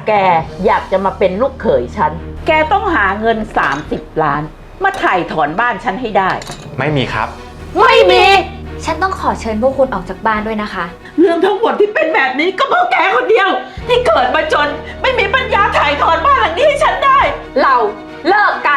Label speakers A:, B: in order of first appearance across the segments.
A: แกอยากจะมาเป็นลูกเขยฉันแกต้องหาเงิน30 ล้านมาถ่ายถอนบ้านฉันให้ได้
B: ไม่มีครับ
A: ไม่มี
C: ฉันต้องขอเชิญพวกคุณออกจากบ้านด้วยนะคะ
A: เรื่องทั้งหมดที่เป็นแบบนี้ก็เพราะแกคนเดียวที่เกิดมาจนไม่มีปัญญาถ่ายถอนบ้านหลังนี้ให้ฉันได้เราเลิกกัน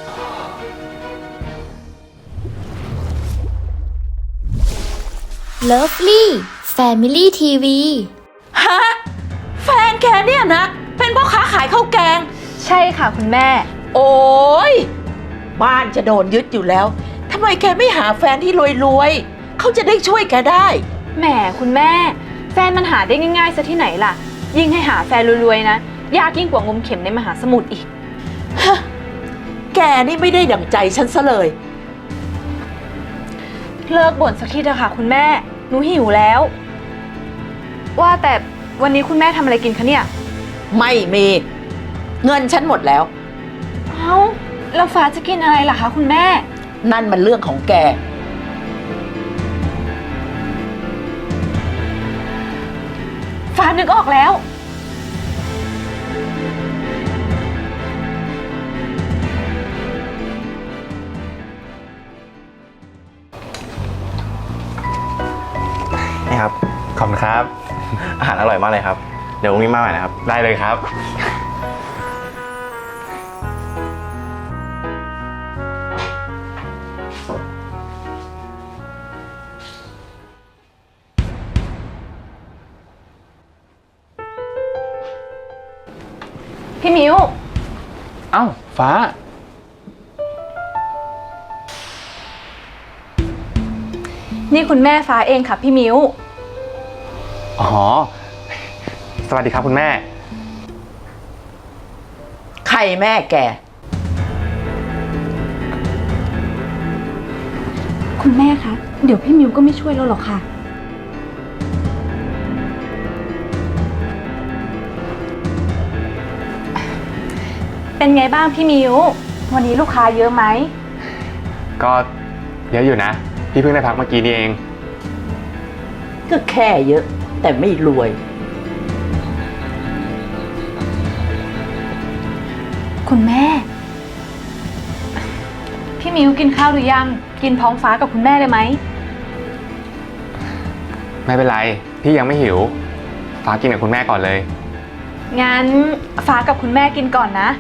C: Lovely Family TV
A: ฮะแฟนแกเนี่ยนะเป็นพ่อค้าขายข้าวแกง
D: ใช่ค่ะคุณแม่
A: โอ้ยบ้านจะโดนยึดอยู่แล้วทำไมแกไม่หาแฟนที่รวยๆเขาจะได้ช่วยแกได้
D: แหมคุณแม่แฟนมันหาได้ง่ายๆซะที่ไหนล่ะยิ่งให้หาแฟนรวยๆนะยากยิ่งกว่างมเข็มในมหาสมุทรอีก
A: ฮะแกนี่ไม่ได้ดั่งใจฉันซะเลย
D: เลิกบ่นสักทีเถอะค่ะคุณแม่หนูหิวแล้วว่าแต่วันนี้คุณแม่ทำอะไรกินคะเนี่ย
A: ไม่มีเงินฉันหมดแล้ว
D: เอ้าแล้วฟ้าจะกินอะไรล่ะคะคุณแม่
A: นั่นมันเรื่องของแก
D: ฟ้านึกออกแล้ว
B: นี่ครับขอบคุณครับอาหารอร่อยมากเลยครับเดี๋ยวพรุ่งนี้มาใหม่นะครับได้เลยครับ
D: พี่มิว
B: เอ้าฟ้า
D: นี่คุณแม่ฟ้าเองค่ะพี่มิว
B: อ๋อสวัสดีครับคุณแม่
A: ใครแม่แก
D: คุณแม่คะเดี๋ยวพี่มิวก็ไม่ช่วยเราหรอกค่ะเป็นไงบ้างพี่มิววันนี้ลูกค้าเยอะไหม
B: ก็เยอะอยู่นะพี่เพิ่งได้พักเมื่อกี้นี่เอง
A: ก็แค่เยอะแต่ไม่รวย
D: คุณแม่พี่มิวกินข้าวหรือยังกินพร้อมฟ้ากับคุณแม่เลยไหม
B: ไม่เป็นไรพี่ยังไม่หิวฟ้ากินกับคุณแม่ก่อนเลย
D: งั้นฟ้ากับคุณแม่กินก่อนนะ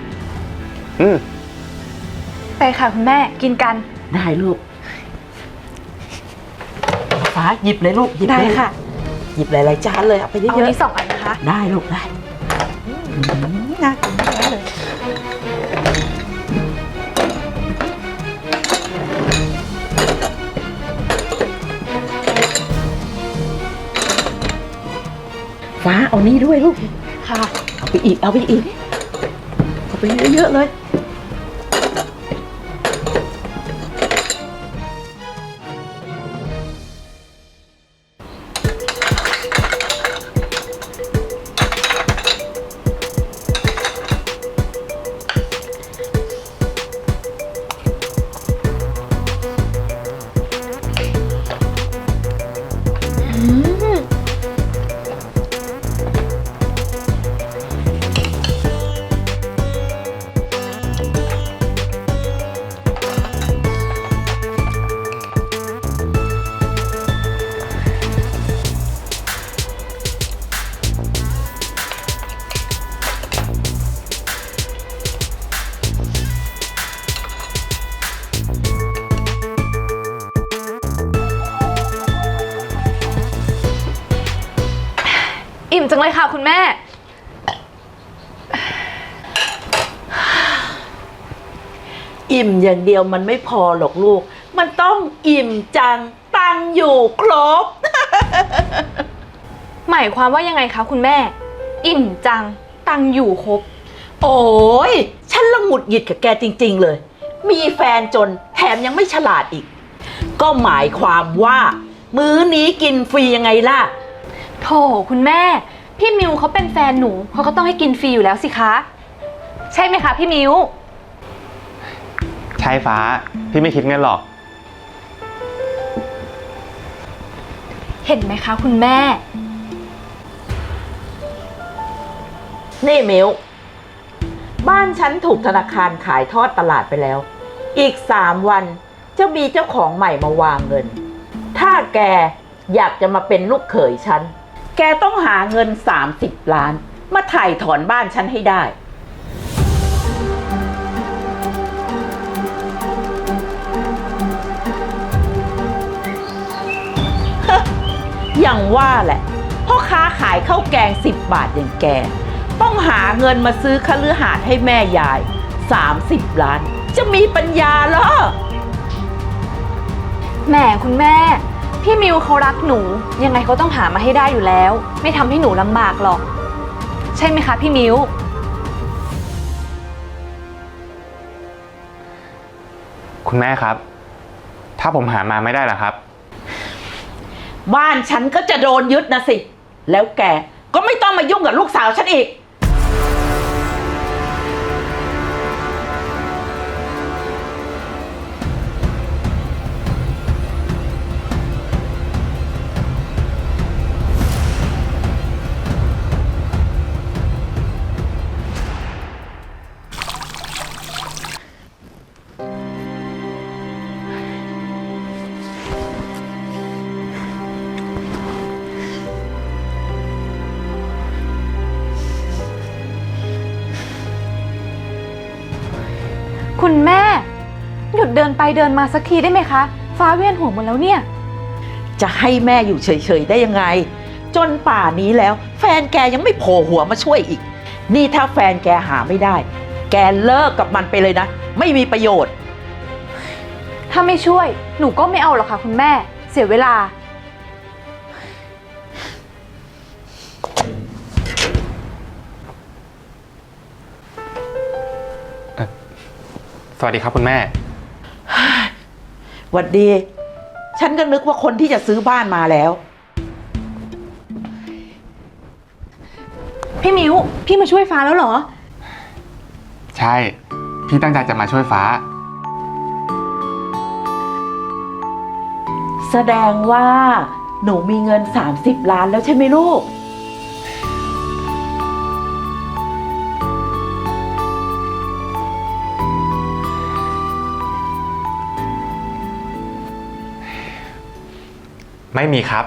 D: ไปค่ะคุณแม่กินกัน
A: ได้ลูกฟ้าหยิบเลยลูกหยิบ
D: ได้ค่ะ
A: หยิบหลายๆจานเลยเอาไปเยอะๆ
D: เอานี้2 อันนะคะ
A: ได้ลูกได้น่ากินมากเลยฟ้าเอานี่ด้วยลูก
D: ค่ะ
A: เอาไปอีกเอาไปอีกเอาไปเยอะๆเลย
D: อิ่มจังเลยค่ะคุณแม่
A: อิ่มอย่างเดียวมันไม่พอหรอกลูกมันต้องอิ่มจังตังอยู่ครบ
D: หมายความว่ายังไงคะคุณแม่อิ่มจังตังอยู่ครบ
A: โอ้ยฉันละหงุดหงิดกับแกจริงๆเลยมีแฟนจนแถมยังไม่ฉลาดอีกก็หมายความว่ามื้อนี้กินฟรียังไงล่ะ
D: โถคุณแม่พี่มิวเขาเป็นแฟนหนูเขาก็ต้องให้กินฟรีอยู่แล้วสิคะใช่ไหมคะพี่มิว
B: ใช่ฟ้าพี่ไม่คิดเงินหรอก
D: เห็นไหมคะคุณแม่
A: นี่มิวบ้านฉันถูกธนาคารขายทอดตลาดไปแล้ว อีก3 วันจะมีเจ้าของใหม่มาวางเงิน ถ้าแกอยากจะมาเป็นลูกเขยฉัน แกต้องหาเงิน30 ล้าน มาถ่ายถอนบ้านฉันให้ได้ อย่างว่าแหละพ่อค้าขายข้าวแกง10 บาทอย่างแก ต้องหาเงินมาซื้อคฤหาสน์ให้แม่ยาย30 ล้าน จะมีปัญญาเหรอ
D: แหมคุณแม่ พี่มิวเขารักหนู ยังไงเขาต้องหามาให้ได้อยู่แล้ว ไม่ทำให้หนูลำบากหรอก ใช่ไหมคะพี่มิว
E: คุณแม่ครับ ถ้าผมหามาไม่ได้ล่ะครับ
A: บ้านฉันก็จะโดนยึดนะสิ แล้วแกก็ไม่ต้องมายุ่งกับลูกสาวฉันอีก
D: คุณแม่ หยุดเดินไปเดินมาสักทีได้ไหมคะ ฟ้าเวียนหัวหมดแล้วเนี่ย
A: จะให้แม่อยู่เฉยๆได้ยังไง จนป่านนี้แล้ว แฟนแกยังไม่โผล่หัวมาช่วยอีก นี่ถ้าแฟนแกหาไม่ได้ แกเลิกกับมันไปเลยนะ ไม่มีประโยชน์
D: ถ้าไม่ช่วยหนูก็ไม่เอาหรอกค่ะคุณแม่ เสียเวลา
E: สวัสดีครับคุณแม่
A: หวัดดี ฉันก็นึกว่าคนที่จะซื้อบ้านมาแล้ว
D: พี่มิวพี่มาช่วยฟ้าแล้วเหรอ
E: ใช่ พี่ตั้งใจจะมาช่วยฟ้า
A: แสดงว่าหนูมีเงิน30 ล้านแล้วใช่ไหมลูก
E: ไม่มีครับ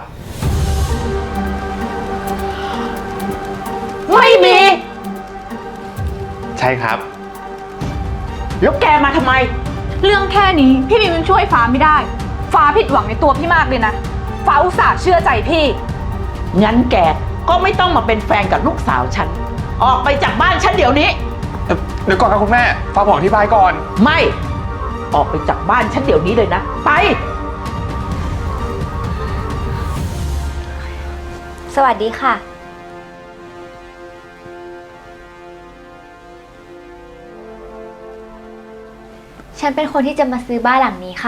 A: ไม่มี
E: ใช่ครับ
A: แล้วแกมาทำไม
D: เรื่องแค่นี้พี่มิวยังช่วยฟ้าไม่ได้ ฟ้าผิดหวังในตัวพี่มากเลยนะ ฟ้าอุตส่าห์เชื่อใจพี่
A: งั้นแกก็ไม่ต้องมาเป็นแฟนกับลูกสาวฉัน ออกไปจากบ้านฉันเดี๋ยวนี้
E: เดี๋ยวก่อนครับคุณแม่ ฟ้าผมอธิบายก่อน
A: ไม่ ออกไปจากบ้านฉันเดี๋ยวนี้เลยนะ ไป
C: สวัสดีค่ะ ฉันเป็นคนที่จะมาซื้อบ้านหลังนี้ค่ะ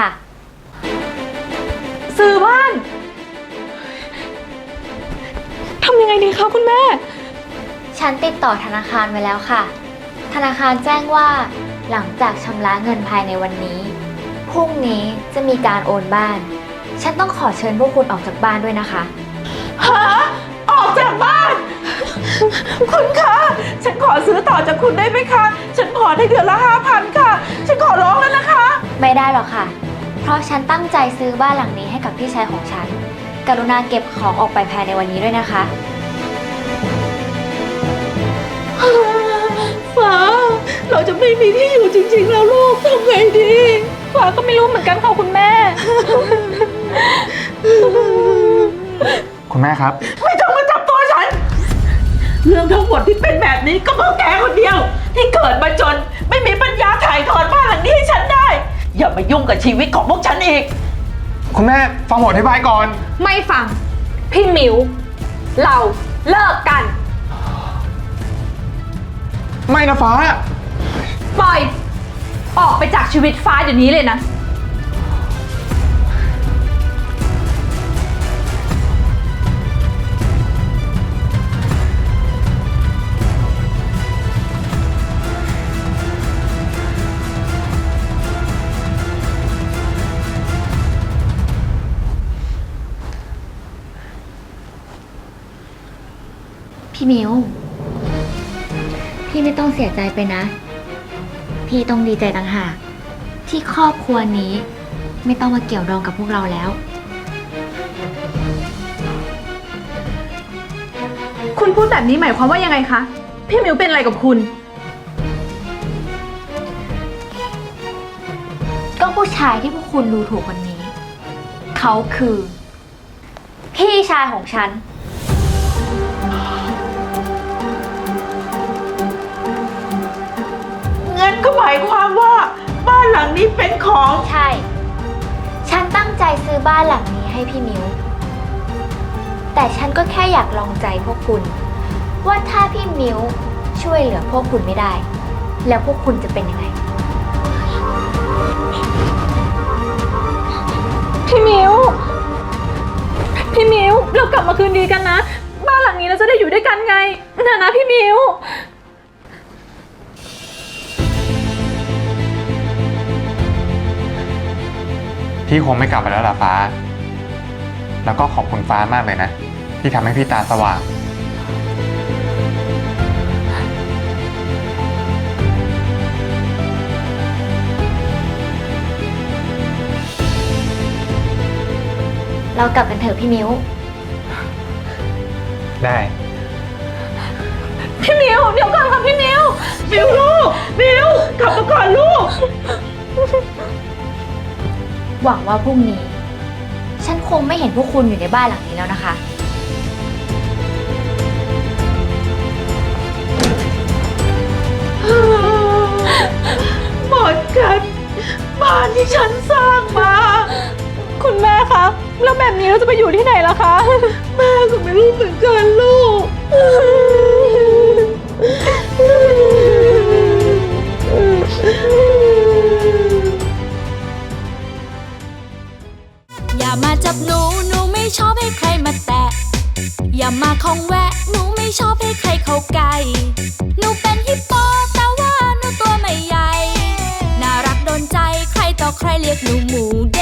D: ซื้อบ้านทำยังไงดีคะคุณแม่
C: ฉันติดต่อธนาคารไว้แล้วค่ะ ธนาคารแจ้งว่าหลังจากชำระเงินภายในวันนี้พรุ่งนี้จะมีการโอนบ้าน ฉันต้องขอเชิญพวกคุณออกจากบ้านด้วยนะคะ
A: หาออกจากบ้าน คุณคะ ฉันขอซื้อต่อจากคุณได้ไหมคะ ฉันขอได้เดือนละ5,000 ค่ะ ฉันขอร้องแล้วนะคะ
C: ไม่ได้หรอกค่ะ เพราะฉันตั้งใจซื้อบ้านหลังนี้ให้กับพี่ชายของฉัน กรุณาเก็บของออกไปภายในวันนี้ด้วยนะคะ
A: ฟ้า เราจะไม่มีที่อยู่จริงๆแล้วลูกทำไงดี
D: ฟ้าก็ไม่รู้เหมือนกันค่ะคุณแม่
E: คุณแม่ครับ
A: ไม่ต้องมาจับตัวฉัน เรื่องทั้งหมดที่เป็นแบบนี้ก็เพราะแกคนเดียว ที่เกิดมาจนไม่มีปัญญาถ่ายทอดบ้านหลังนี้ให้ฉันได้ อย่ามายุ่งกับชีวิตของพวกฉันอีก
E: คุณแม่ฟังผมอธิบายก่อน
D: ไม่ฟัง พี่มิวเราเลิกกัน
E: ไม่นะฟ้า
D: ปล่อย ออกไปจากชีวิตฟ้าเดี๋ยวนี้เลยนะ
C: พี่มิวพี่ไม่ต้องเสียใจไปนะ พี่ต้องดีใจต่างหากที่ครอบครัวนี้ ไม่ต้องมาเกี่ยวดองกับพวกเราแล้ว
D: คุณพูดแบบนี้หมายความว่ายังไงคะ พี่มิวเป็นอะไรกับคุณ
C: ก็ผู้ชายที่พวกคุณดูถูกวันนี้ เขาคือ พี่ชายของฉัน
A: งั้นก็หมายความว่าบ้านหลังนี้เป็นของ
C: ใช่ ฉันตั้งใจซื้อบ้านหลังนี้ให้พี่มิว แต่ฉันก็แค่อยากลองใจพวกคุณ ว่าถ้าพี่มิวช่วยเหลือพวกคุณไม่ได้ แล้วพวกคุณจะเป็นยังไง
D: พี่มิว พี่มิว เรากลับมาคืนดีกันนะ บ้านหลังนี้เราจะได้อยู่ด้วยกันไงนะพี่มิว
E: พี่คงไม่กลับไปแล้วล่ะฟ้า แล้วก็ขอบคุณฟ้ามากเลยนะ ที่ทำให้พี่ตาสว่าง
C: เรากลับกันเถอะพี่มิว
E: ได้
D: พี่มิว เดี๋ยวก่อนค่ะพี่มิว
A: มิวลูก มิวกลับมาก่อนลูก
C: หวังว่าพรุ่งนี้ ฉันคงไม่เห็นพวกคุณอยู่ในบ้านหลังนี้แล้วนะคะ
A: หมดกันบ้านที่ฉันสร้างมา
D: คุณแม่คะ แล้วแบบนี้เราจะไปอยู่ที่ไหนล่ะคะ
A: แม่ก็ไม่รู้เหมือนกันลูก
F: อย่ามาจับหนู หนูไม่ชอบให้ใครมาแตะ อย่ามาคองแวะ หนูไม่ชอบให้ใครเข้าใกล้ หนูเป็นฮิปโปแต่ว่าหนูตัวไม่ใหญ่ น่ารักโดนใจ ใครต่อใครเรียกหนูหมู